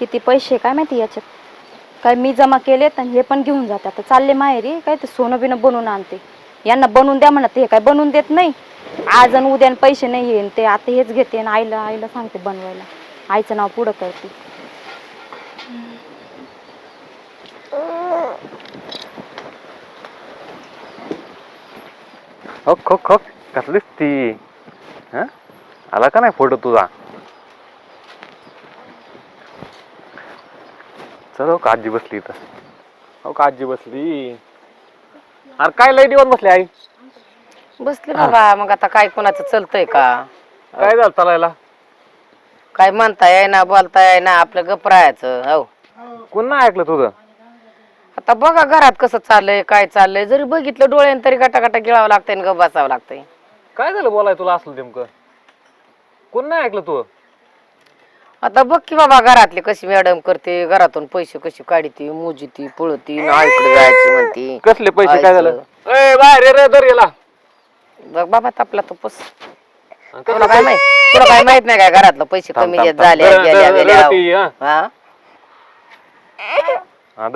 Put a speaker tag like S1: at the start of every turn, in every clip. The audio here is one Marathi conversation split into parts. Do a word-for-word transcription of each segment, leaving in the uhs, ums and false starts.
S1: किती पैसे काय माहिती याच्यात, काय मी जमा केलेत आणि हे पण घेऊन जाते. आता चालले माहेरी, काय ते सोनं बिनं बनवून आणते. यांना बनवून द्या म्हणत, हे काय बनवून देत नाही. आज आणि उद्या पैसे नाही येईन ते, आता हेच घेते आणि आईला आईला सांगते बनवायला. आईचं नाव पुढं करते.
S2: हो खो खो कसलीच ती हा आला का नाही फोटो तुझा. चल हो का आजी बसली इथं. हो का आजी बसली. अरे काय लय दिवस बसली आई.
S3: बसले बाबा. मग आता काय कोणाचं चलतंय का.
S2: काय झालं चालायला.
S3: काय म्हणताय ना बोलताय ना आपलं गप राहायचं. हो
S2: कोण नाही ऐकलं तुझं.
S3: आता बघा घरात कसं चाललंय काय चाललंय. जरी बघितलं डोळ्यानं तरी गटागटा गिळावं लागतंय आणि गप बसावं लागतंय.
S2: काय झालं बोलाय तुला असलं नेमकं. कोण नाही ऐकलं तू.
S3: आता बघ की बाबा घरातली कशी मॅडम करते. घरातून पैसे कशी काढती मोजीती पळती आईकडे जायची म्हणती.
S2: कसले पैसे काय झालं. ए बाहेर रे दर गेला.
S3: बघ बाबा तापला तो पस. तुला काय माहित तुला काय माहित नाही काय घरातलं पैसे कमी येत झाले गेल्या गेल्या. हा
S2: आदर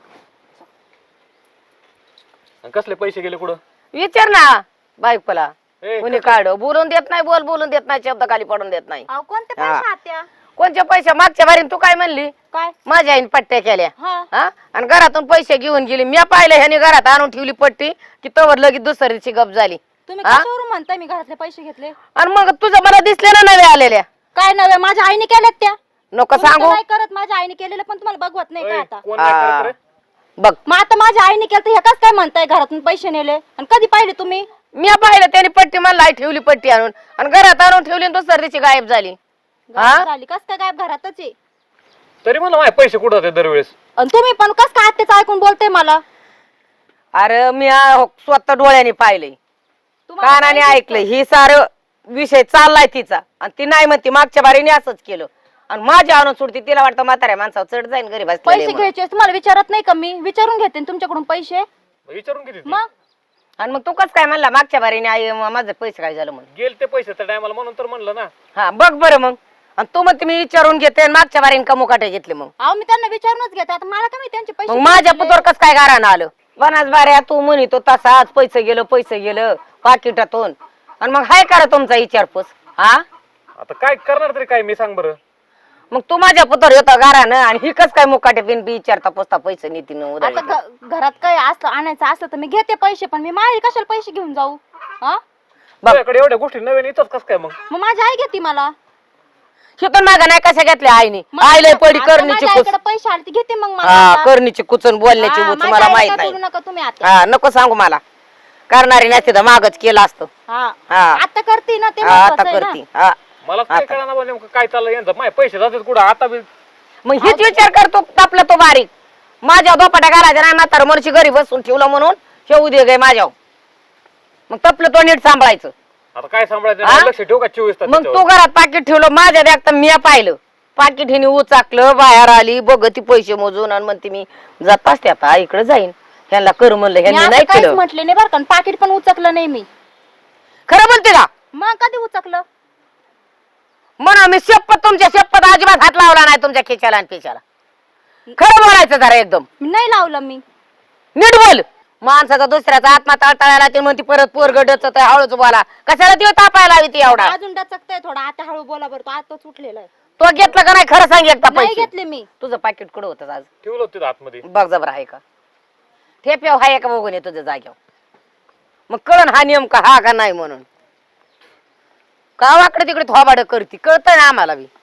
S2: कसले पैसे गेले कुठं.
S3: विचार ना बायकोला. कोणी काढ बोलून देत नाही. बोल बोलून देत नाही. शब्द खाली पडून देत नाही.
S1: कोणते पैसे आत्या.
S3: कोणत्या पैसे. मागच्या बारीन तू काय म्हणली.
S1: काय
S3: माझ्या आईने पट्ट्या केल्या.
S1: हा
S3: आणि घरातून पैसे घेऊन गेली. मी पाहिलं ह्याने घरात आणून ठेवली पट्टी की तवर लगेच दुसऱ्या दिवशी गप झाली.
S1: तुम्ही कशावरून म्हणताय मी घरातले पैसे घेतले.
S3: आणि मग तुझं मला दिसले ना नव्या आलेल्या.
S1: काय नव्हे माझ्या आईने केल्यात त्या.
S3: नको सांगू.
S1: काय करत माझ्या आईने केलेलं पण तुम्हाला बघवत नाही का आता.
S3: हा. बघ
S1: मग आता माझ्या आईने केलं तर हे कस काय म्हणताय घरातून पैसे नेले. आणि कधी पाहिले तुम्ही.
S3: मी पाहिलं त्याने पट्टी मला आई ठेवली पट्टी आणून आणि घरात आणून ठेवली आणि दुसऱ्या दिवशी गायब झाली.
S1: झाली कस काय गायब घरातच आहे.
S2: तरी मला माझे पैसे कुठं होते दरवेळेस.
S1: आणि तुम्ही पण कस काय आत्याचं ऐकून बोलते मला.
S3: अरे मी आ- स्वतः डोळ्याने पाहिलंय कानाने ऐकलंय. ही सार विषय चाललाय तिचा आणि ती नाही म्हणती मागच्या बारीने असंच केलं आणि माझ्या आणून सोडती. तिला वाटतं म्हाताऱ्या माणसावर चढ जाईन घरी
S1: पैसे घ्यायचे तुम्हाला विचारत नाही का. मी विचारून घेते तुमच्याकडून पैसे.
S2: विचारून किती
S1: मग
S3: आणि मग तू कस काय म्हणला मागच्या बारीने आई माझे पैसे काय झालं म्हणून.
S2: गेल ते पैसे त्या टायमाला म्हणून तर म्हणलं ना.
S3: हा बघ बरं मग. आणि तू म्हणते मी विचारून घेते आणि मागच्या बारीने का मुकाटे घेतले. मग
S1: अहो मी त्यांना विचारूनच घेते. आता मला काय माहिती त्यांचे पैसे.
S3: मग माझ्या पुतोर कस काय गारानं आलं. वनास बाऱ्या तू म्हणतो तसा आज पैसे गेलं पैसे गेलं पाकिटातून. आणि मग हाय करा तुमचा विचारपूस. हा
S2: आता काय करणार तरी काय मी सांग बरं.
S3: मग तू माझ्या पुतोर होता गारानं आणि ही कस काय मुकाटे बिन बी विचारता पोचता पैसे नीतीन
S1: आता घ- घरात काय असलं आणायचं असलं तर मी घेते पैसे. पण मी माहेरी कशाला पैसे घेऊन जाऊ. हा
S2: तुझ्याकडे एवढ्या गोष्टी नवीन येतात कस काय मग.
S1: मग माझी आई घेते मला.
S3: शिकून मागा नाही कशा घेतल्या आईने. आईला पडी
S1: आता
S3: करणीची
S1: माझ्या
S3: कुच.
S1: आईकडे पैसे आले ते घेते मग मला
S3: हा
S1: आता.
S3: करणीची कुचन बोलण्याची
S1: हा,
S3: बुच
S1: माझ्या
S3: मला
S1: आईला
S3: माहित
S1: काय
S3: नाही.
S1: बोलू नका तुम्ही आता.
S3: हा नको सांगू मला. करणारी नाही तिथं मागच केलं असतं.
S1: हा
S3: हा
S1: आता करते ना ते
S3: हा, आता
S1: महत्वाचं आहे ना.
S3: करती. हा
S2: मला काय कळणार बा नेमकं काय चाललं यांचं. माझे पैसे जातात कुठं आता बी.
S3: मग हेच विचार करतो तापला तो बारीक. माझ्या दोपाट्या घालायच्या नाही म्हातार मनुष्य घरी बसून ठेवलं म्हणून ठेवू दे गे माझ्या. मग तपलं तो नीट सांभाळायचं.
S2: आता काय सांभाळायचं
S3: हा?
S2: लक्ष ठेवू का चोवीस तास
S3: मग
S2: त्याच्यावर?
S3: तू घरात पाकिट ठेवलं माझ्या देखता मी पाहिलं. पाकिट हिने उचाकलं बाहेर आली बघ ती पैसे मोजून आणि म्हणते मी जात असते आता आईकडे जाईन. ह्यांना कर म्हणलं
S1: मी
S3: ह्यांनी
S1: असं
S3: नाही
S1: काहीच
S3: केलं.
S1: म्हटले नाही बरं का. पाकिट पण उचकलं नाही मी.
S3: खरं म्हणते का.
S1: मग कधी उचकलं.
S3: म्हणा मी शपथ तुमच्या शपथ अजिबात हात लावला नाही तुमच्या खिशाला आणि पिशाला. खरं बोलायचं जरा एकदम.
S1: नाही लावलं मी.
S3: नीट बोल. माणसाचा दुसऱ्याचा आत्मा तळतळायला ते म्हणते परत पोरग डचत हळूच बोला. कशाला ती तापायला हवी ती एवढा.
S1: अजून डचकतय थोडा. आता हळू बोला बरं. तो आता उठलेला आहे.
S3: तो घेतला का नाही खरं सांग एकदा
S1: नाही
S3: पैसे.
S1: घेतले मी.
S3: तुझं पाकिट कुठं होतं आज.
S2: ठेवलं होतं तिथं आतमध्ये.
S3: बघ जबर आहे का ठेप्याव हाय का बघून ये तुझ्या जाग्यावर. मग कळण हा नेमका हा का नाही म्हणून. गावाकडे तिकडे थोबाड करती कळतंय ना आम्हाला बी.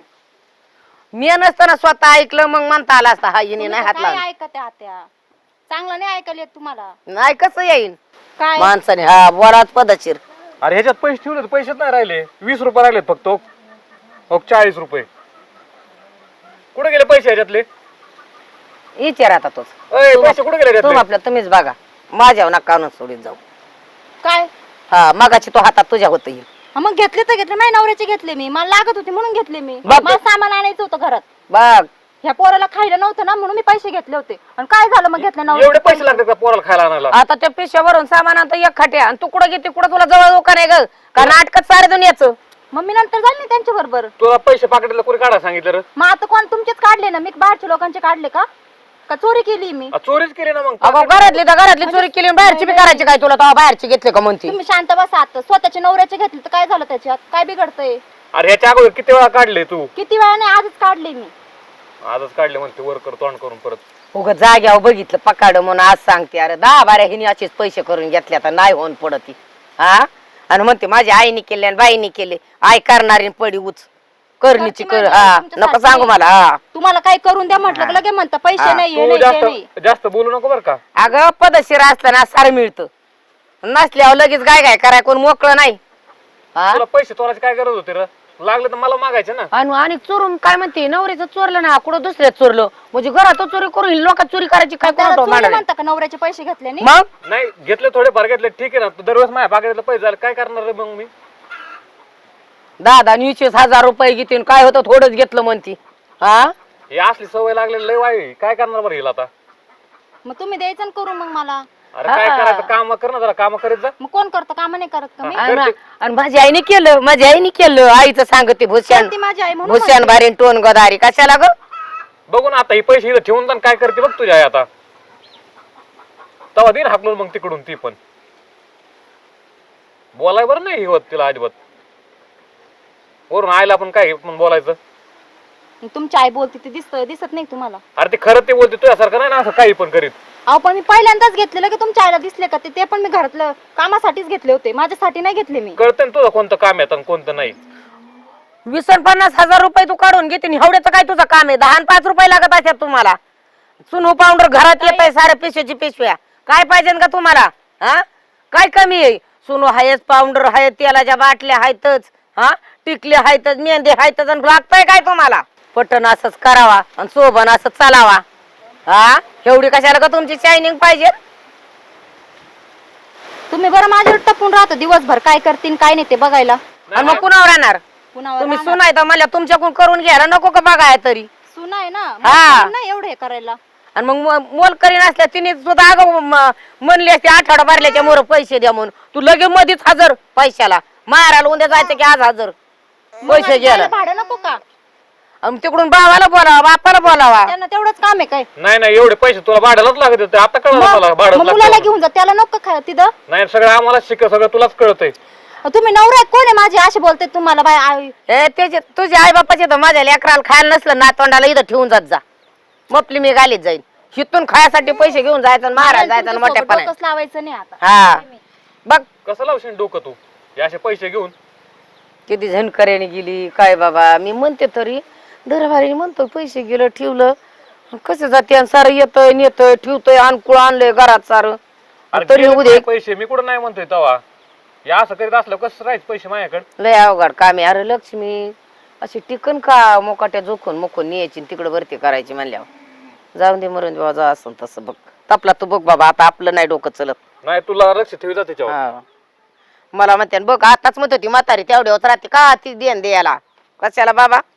S3: मी नसताना स्वतः ऐकलं मग म्हणता आला असता हा हिने नाही हात
S1: काय
S3: लावला.
S1: ऐकते आत्या. चांगलं नाही ऐकायला येत तुम्हाला.
S3: नाही कसं येईन
S1: काय
S3: माणसाने हा बोलाच पदशीर.
S2: अरे ह्याच्यात पैसे ठेवले होते, पैसेच नाही राहिले. वीस रुपये राहिलेत फक्त. ओ, ओ, चाळीस रुपये कुठे गेले पैसे ह्याच्यातले.
S3: विचार आता तोच.
S2: अय, पैसे कुठे गेले
S3: तुम
S2: ह्याच्यातले?
S3: आपल्या तुम्हीच बघा माझ्यावर नका आणून सोडीत जाऊ.
S1: काय
S3: हा मगाची तो हातात तुझ्या होत येईल.
S1: हा, मग घेतले तर घेतले. माझ्या नवऱ्याचे घेतले मी. मला लागत होते म्हणून घेतले मी.
S3: बाप-
S1: मला सामान आणायचं होतं घरात.
S3: बघ
S1: ह्या पोराला खायला नव्हतं ना म्हणून मी पैसे घेतले होते. आणि काय झालं मग घेतले
S2: एवढे
S1: नवऱ्याचे
S2: पैसे लागतात का पोराला खायला आणायला.
S3: आता त्या पिशव्यावरून सामान आणतो एक खाट्या आणि तू कुठं घेते कुठं तुला जवळ दुकान आहे ग का नाटकात सारे दुनियाचं.
S1: मग मी नंतर जाईल ना त्यांच्या बरोबर.
S2: तुला पैसे पाकिटातलं कोणी काढा सांगितलं रे?
S1: मग आता कोण तुमचेच काढले ना, मी बाहेरच्या लोकांचे काढले का का चोरी केली मी?
S2: आ, चोरीच केली ना मग.
S3: अगं घरातली तर घरातली चोरी केली आणि बाहेरची बी करायची काय? तुला तेव्हा बाहेरची घेतले का म्हणते?
S1: तुम्ही शांत बसा. आता स्वतःच्या नवऱ्याचे घेतले तर काय झालं त्याच्यात? काय बिघडतंय?
S2: अरे ह्याच्या अगोदर किती वेळा काढले तू?
S1: किती वेळा नाही, आजच काढले मी.
S2: आजच काढले म्हणते वर कर तोंड करून परत.
S3: उग जाग्यावर बघितलं पकाड म्हणून आज सांगते. अरे दहा बाऱ्या हिने असेच पैसे करून घेतले आता नाही होऊन पडत हा. आणि म्हणते माझ्या आईने केले आणि बाईने केले. आई करणारी पडी उच करणीची कर. हा नको सांगू मला. हा
S1: तुम्हाला काय करून द्या म्हटलं लगे म्हणता पैसे नाही हे
S2: तू
S1: नाही, ते नाही.
S2: जास्त जास्त बोलू नको बर का.
S3: अगं पदशीर असताना सार मिळतं, नसल्यावर लगेच काय काय कराय कोण मोकळं नाही. हा
S2: तुला पैसे चोरायची काय गरज होती रे? लागले तर मला मागायचे ना.
S3: आणि आणि चोरून काय म्हणते नवऱ्याचं चोरलं ना कुठं दुसऱ्याच चोरलं म्हणजे घरात चोरी करून लोक चोरी करायची काय
S1: त्याला
S3: कोण
S1: चोरी म्हणता का नवऱ्याचे पैसे घेतले नाही?
S3: मग
S2: नाही घेतले थोडे फार घेतले ठीक आहे ना. तू दरवेळेस माझ्या पाकिटातलं पैसे झाले काय करणार रे मग मी?
S3: दहा दहा वीस हजार रुपये घेते काय होतं थोडंच घेतलं म्हणती. हा
S2: हे असली सवय लागलेली लय वाई. काय करणार बरं हिला आता?
S1: मग तुम्ही द्यायचं ना करून मग मला.
S2: अरे काय करायचं काम कर ना जरा. काम करीत जा.
S1: मग कोण करतं काम नाही करत का मी?
S3: आणि आणि माझ्या आईने केलं माझ्या आईने केलं आईचं सांगते भूषण
S1: ती माझी आई म्हणून
S3: भूषण भारी टोन गदारी कशाला ग.
S2: बघू ना आता ही पैसे इथं ठेवून जाण काय करते बघ तुझ्या आई आता. तवा दिन हाकलून मग तिकडून ती पण बोलाय बरं नाही होत तिला अजिबात. वरून आईला पण काय पण बोलायचं.
S1: म्हणते. तुमची आई बोलते ते दिसत दिसत नाही तुम्हाला?
S2: अरे ते खरं ते बोलते तुझ्यासारखं नाही ना असं काही पण करीत.
S1: अहो पण मी पहिल्यांदाच घेतलेलं की तुमच्या आईला दिसले का ते? ते पण मी घरातलं कामासाठीच घेतले होते, माझ्यासाठी नाही घेतले मी.
S2: कळतं ना तुझं कोणतं काम येतं आणि कोणतं नाही.
S3: वीस आणि पन्नास हजार रुपये तू काढून घेते आणि एवढ्याचं काय तुझं काम आहे? दहा आणि पाच रुपये लागत असतात तुम्हाला. सुनू पावडर घरात येत आहे साऱ्या पिशव्याची पिशव्या. काय पाहिजे का तुम्हाला? हा काय कमी आहे? सुनू हायच पावडर आहे तेलाच्या बाटल्या आहेतच. हा टिकले आहेतच मेहंदी आहेतच आणि लागतंय काय तुम्हाला? पटन असंच करावा आणि सोबन असं चालावा. हा एवढी कशाला का तुमची शायनिंग पाहिजे?
S1: तुम्ही बरं माझ्यावर टपून राहता दिवसभर काय करतील काय नाही ते बघायला.
S3: आणि मग कुणावर राहणार?
S1: पुन्हा
S3: तुम्ही सुनाय तर मला तुमच्याकडून करून घ्यायला नको का बघाय तरी?
S1: सुना आहे ना,
S3: हा.
S1: मग नाही एवढं हे करायला.
S3: आणि मग म- मोल करीन असल्या तिने सुद्धा अगं म- म्हणली असते आठवडा भरल्याच्या मोर पैसे द्या म्हणून. तू लगेच मध्येच हजर पैशाला मारायला उद्या जायचं की आज हजर पैसे घ्यायला.
S1: मला भाडं नको का?
S3: आणि तिकडून भावाला बोलावा बापाला बोलावा.
S1: त्यांना तेवढंच काम आहे काय?
S2: नाही नाही एवढे पैसे तुला भाड्यालाच लागत होते. आता कळलं मला
S1: मग
S2: भाडं
S1: मग मुलाला
S2: लागतं.
S1: घेऊन जा, त्याला नको खा तिथं.
S2: नाही सगळं आम्हाला शिक सगळं तुलाच कळतंय.
S1: तुम्ही नवरा आहेत, कोण आहे माझे असे बोलते तुम्हाला? बाय आई
S3: हे त्याचे तुझे आई बापाचे तर माझ्या लेकराला खायला नसलं ना तोंडाला इथं ठेवून जात जा. मपली मी गालीत जाईन. हिथून खायासाठी पैसे घेऊन जायचं आणि मारायला जायचं आणि मोठ्या पण
S1: डोकंच लावायचं नाही आता.
S3: हा बघ
S2: कसं लावशील डोकं तू हे असे पैसे घेऊन?
S3: किती झणकऱ्याने गेली काय बाबा. मी म्हणते तरी दरबारी म्हणतो पैसे गेलं ठेवलं कसं जाते आणि सारं येतंय नेतोय ठेवतोय अनुकूळ आणलंय घरात सारं
S2: अरे
S3: तरी
S2: गेले
S3: उद्या
S2: काय पैसे मी कुठं नाही म्हणतोय तवा. या असं करीत असलं कसं राहायचं पैसे माझ्याकडे?
S3: लय अवघड काम आहे. अरे लक्ष्मी अशी टिकन का मोकाट्या जोखून मुखून न्यायची तिकडे भरती करायची म्हणल्यावर जाऊन दे मरून देवा जा असं तसं बघ. तपला तू बघ बाबा आता आपलं नाही डोकं चलत.
S2: नाही तुला लक्ष ठेवी जाते त्याच्यावर.
S3: हा. मला म्हणते बघ आताच म्हणत होती म्हातारी तेवढ्यावर राहते का ती देण द्यायला कशाला बाबा.